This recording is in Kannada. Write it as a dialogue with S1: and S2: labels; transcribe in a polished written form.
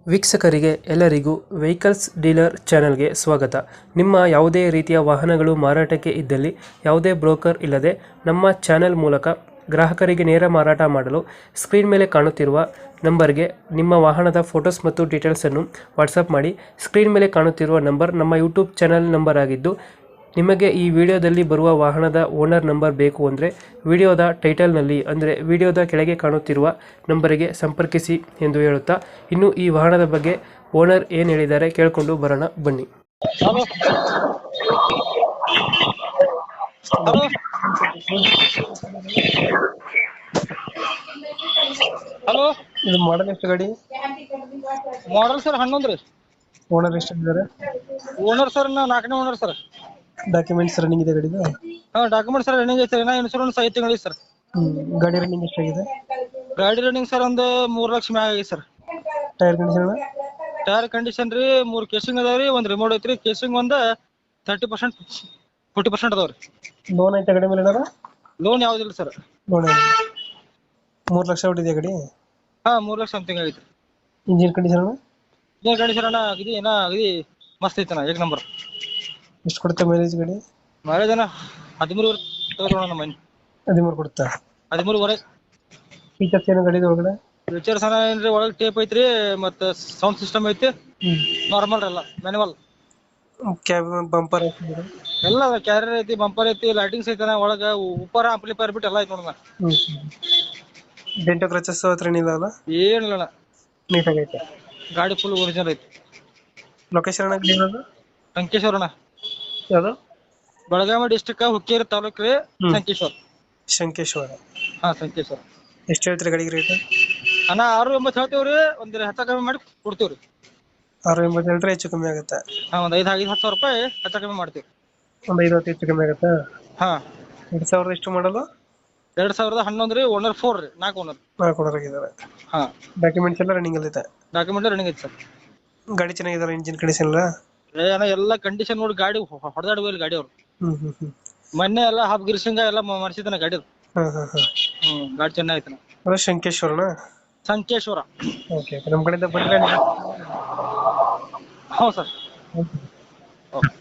S1: ವೀಕ್ಷಕರಿಗೆ ಎಲ್ಲರಿಗೂ ವೆಹಿಕಲ್ಸ್ ಡೀಲರ್ ಚಾನೆಲ್ಗೆ ಸ್ವಾಗತ. ನಿಮ್ಮ ಯಾವುದೇ ರೀತಿಯ ವಾಹನಗಳು ಮಾರಾಟಕ್ಕೆ ಇದ್ದಲ್ಲಿ ಯಾವುದೇ ಬ್ರೋಕರ್ ಇಲ್ಲದೆ ನಮ್ಮ ಚಾನೆಲ್ ಮೂಲಕ ಗ್ರಾಹಕರಿಗೆ ನೇರ ಮಾರಾಟ ಮಾಡಲು ಸ್ಕ್ರೀನ್ ಮೇಲೆ ಕಾಣುತ್ತಿರುವ ನಂಬರ್ಗೆ ನಿಮ್ಮ ವಾಹನದ ಫೋಟೋಸ್ ಮತ್ತು ಡೀಟೇಲ್ಸನ್ನು ವಾಟ್ಸಪ್ ಮಾಡಿ. ಸ್ಕ್ರೀನ್ ಮೇಲೆ ಕಾಣುತ್ತಿರುವ ನಂಬರ್ ನಮ್ಮ ಯೂಟ್ಯೂಬ್ ಚಾನೆಲ್ ನಂಬರ್ ಆಗಿದ್ದು, ನಿಮಗೆ ಈ ವಿಡಿಯೋದಲ್ಲಿ ಬರುವ ವಾಹನದ ಓನರ್ ನಂಬರ್ ಬೇಕು ಅಂದರೆ ವಿಡಿಯೋದ ಟೈಟಲ್ನಲ್ಲಿ ಅಂದರೆ ವಿಡಿಯೋದ ಕೆಳಗೆ ಕಾಣುತ್ತಿರುವ ನಂಬರಿಗೆ ಸಂಪರ್ಕಿಸಿ ಎಂದು ಹೇಳುತ್ತಾ, ಇನ್ನು ಈ ವಾಹನದ ಬಗ್ಗೆ ಓನರ್ ಏನು ಹೇಳಿದ್ದಾರೆ ಕೇಳಿಕೊಂಡು ಬರೋಣ ಬನ್ನಿ.
S2: ಹಲೋ ಹಲೋ ಹಲೋ
S1: ಇದು ಮಾಡಲ್ ಎಷ್ಟು ಗಾಡಿ?
S2: ಮಾಡಲ್ ಸರ್ 11 ರೀ.
S1: ಓನರ್ ಎಷ್ಟಿದ್ದಾರೆ?
S2: ಓನರ್ ಸರ್ ನಾ 4ನೇ ಓನರ್ ಸರ್.
S1: ಡಾಕ್ಯುಮೆಂಟ್ಸ್ ರನ್ನಿಂಗ್ ಇದೆ ಗಾಡಿದು?
S2: ಡಾಕ್ಯುಮೆಂಟ್ ಸರ್ ರನ್ನಿಂಗ್ ಐತೆ. ಇನ್ಶೂರೆನ್ಸ್ 5 ತಿಂಗಳು ಸರ್.
S1: ಗಾಡಿ ರನ್ನಿಂಗ್ ಎಷ್ಟಾಗಿದೆ?
S2: ಗಾಡಿ ರನ್ನಿಂಗ್ ಸರ್ ಒಂದು 3 ಲಕ್ಷ ಮ್ಯಾಗ ಆಗೈತೆ sir.
S1: Tyre condition?
S2: Tyre condition ರೀ 3 ಕೇಸಿಂಗ್ ಅದಾವ ರೀ, ಒಂದು ರಿಮೋಟ್ ಐತ್ರಿ. ಕೇಸಿಂಗ್ ಒಂದು 30% 40% ಅದಾವ ರೀ.
S1: ಲೋನ್ ಐತೆ ಗಾಡಿ ಮೇಲೆ?
S2: ಲೋನ್ ಯಾವ್ದಿಲ್ಲ ಸರ್.
S1: ಲೋನ್ 3 ಲಕ್ಷ ಹೊಟ್ಟಿದೆ ಗಾಡಿ?
S2: 3 ಲಕ್ಷ ಸಮಥಿಂಗ್ ಆಗೈತೆ.
S1: Engine condition?
S2: ಇಂಜಿನ್ ಕಂಡೀಷನ್ ಅಗದಿ ಮಸ್ತ್ ಐತನ, ಏಕ್ ನಂಬರ್.
S1: ಎಷ್ಟು ಕೊಡುತ್ತೆ ಮೈಲೇಜ್ ಗಾಡಿ?
S2: ಮೈಲೇಜ್ 13 ತಗೋಣ ನಮ್ಮ ಮನೆ.
S1: 13 ಕೊಡುತ್ತಾ?
S2: 13
S1: ಫೀಚರ್ಸ್ ಏನು ಗಾಡಿ ಒಳಗಡೆ?
S2: ಫೀಚರ್ಸ್ ಏನ್ರಿ, ಒಳಗೆ ಟೇಪ್ ಐತ್ರಿ, ಮತ್ತೆ ಸೌಂಡ್ ಸಿಸ್ಟಮ್ ಐತಿ. ನಾರ್ಮಲ್ ಎಲ್ಲ ಮ್ಯಾನುವಲ್.
S1: ಕ್ಯಾಬ್ ಬಂಪರ್
S2: ಎಲ್ಲ ಕ್ಯಾರಿಯರ್ ಐತಿ, ಬಂಪರ್ ಐತಿ, ಲೈಟಿಂಗ್ಸ್ ಐತನ ಒಳಗ. ಉಪ್ಪರ ಆಂಪ್ಲಿಫೈರ್ ಬಿಟ್ಟು ಎಲ್ಲ ಐತಿ ನೋಡೋಣ.
S1: ಡೆಂಟೋ ಕ್ರಚಸ್ ಹತ್ರ ಏನಿಲ್ಲ ಅಲ್ಲ?
S2: ಏನಿಲ್ಲ,
S1: ನೀಟಾಗಿ ಐತೆ
S2: ಗಾಡಿ ಫುಲ್ ಒರಿಜಿನಲ್ ಐತಿ.
S1: ಲೊಕೇಶನ್ ಇರೋದು
S2: ಸಂಕೇಶ್ವರಣ.
S1: ಯಾವುದು?
S2: ಬೆಳಗಾವಿ ಡಿಸ್ಟ್ರಿಕ್ಟ್ ಹುಕ್ಕೇರಿ ತಾಲೂಕು ರೀ, ಸಂಕೇಶ್ವರ.
S1: ಶಂಕೇಶ್ವರ.
S2: ಸಂಕೇಶ್ವರ.
S1: ಎಷ್ಟು ಹೇಳ್ತೀರಿ ಗಾಡಿಗೆ ರೇಟ್?
S2: 690 ಹೇಳ್ತೇವ್ರಿ, ಒಂದ್ ಹೆಚ್ಚ ಕಮ್ಮಿ ಮಾಡಿ ಕೊಡ್ತೇವ್ರಿ.
S1: 680 ಹೇಳ್ರೆ ಹೆಚ್ಚು ಕಮ್ಮಿ ಆಗುತ್ತೆ?
S2: ಒಂದ್ 5,000-10,000 ರೂಪಾಯಿ ಹೆಚ್ಚ ಕಮ್ಮಿ ಮಾಡ್ತೀವಿ.
S1: ಒಂದು 5 ಹೆಚ್ಚು ಕಮ್ಮಿ ಆಗುತ್ತಾ? 2000 ಎಷ್ಟು ಮಾಡಲು?
S2: 2011 ರೀ. ಓನರ್ 4 ರೀ, 4 ಓನರ್.
S1: 4 ಓನರ್ ಆಗಿದ್ದಾರೆ. ಡಾಕ್ಯುಮೆಂಟ್ಸ್ ಎಲ್ಲ ರನ್ನಿಂಗ್ ಅಲ್ಲಿ ಐತೆ?
S2: ಡಾಕ್ಯುಮೆಂಟ್ ರನ್ನಿಂಗ್ ಐತಿ ಸರ್.
S1: ಗಾಡಿ ಚೆನ್ನಾಗಿದಾರ? ಇಂಜಿನ್ ಕಂಡೀಷನ್ ಎಲ್ಲ?
S2: ಎಲ್ಲ ಕಂಡೀಷನ್ ನೋಡಿ, ಗಾಡಿ ಹೊಡೆದಾಡುವ ಗಾಡಿ ಅವ್ರು. ಮೊನ್ನೆ ಎಲ್ಲ ಹಾಫ್ ಗಿರ್ಸಿಂಗ ಎಲ್ಲ ಮಾಡಿಸಿದಾನ ಗಾಡಿ. ಗಾಡಿ ಚೆನ್ನಾಗೈತನ.
S1: ಅದು ಶಂಕೇಶ್ವರನ?
S2: ಸಂಕೇಶ್ವರ.
S1: ಓಕೆ, ನಮ್ಮ ಕಡೆಯಿಂದ ಬಂದ್ರೆ
S2: ಹೌದು ಸರ್. ಓಕೆ.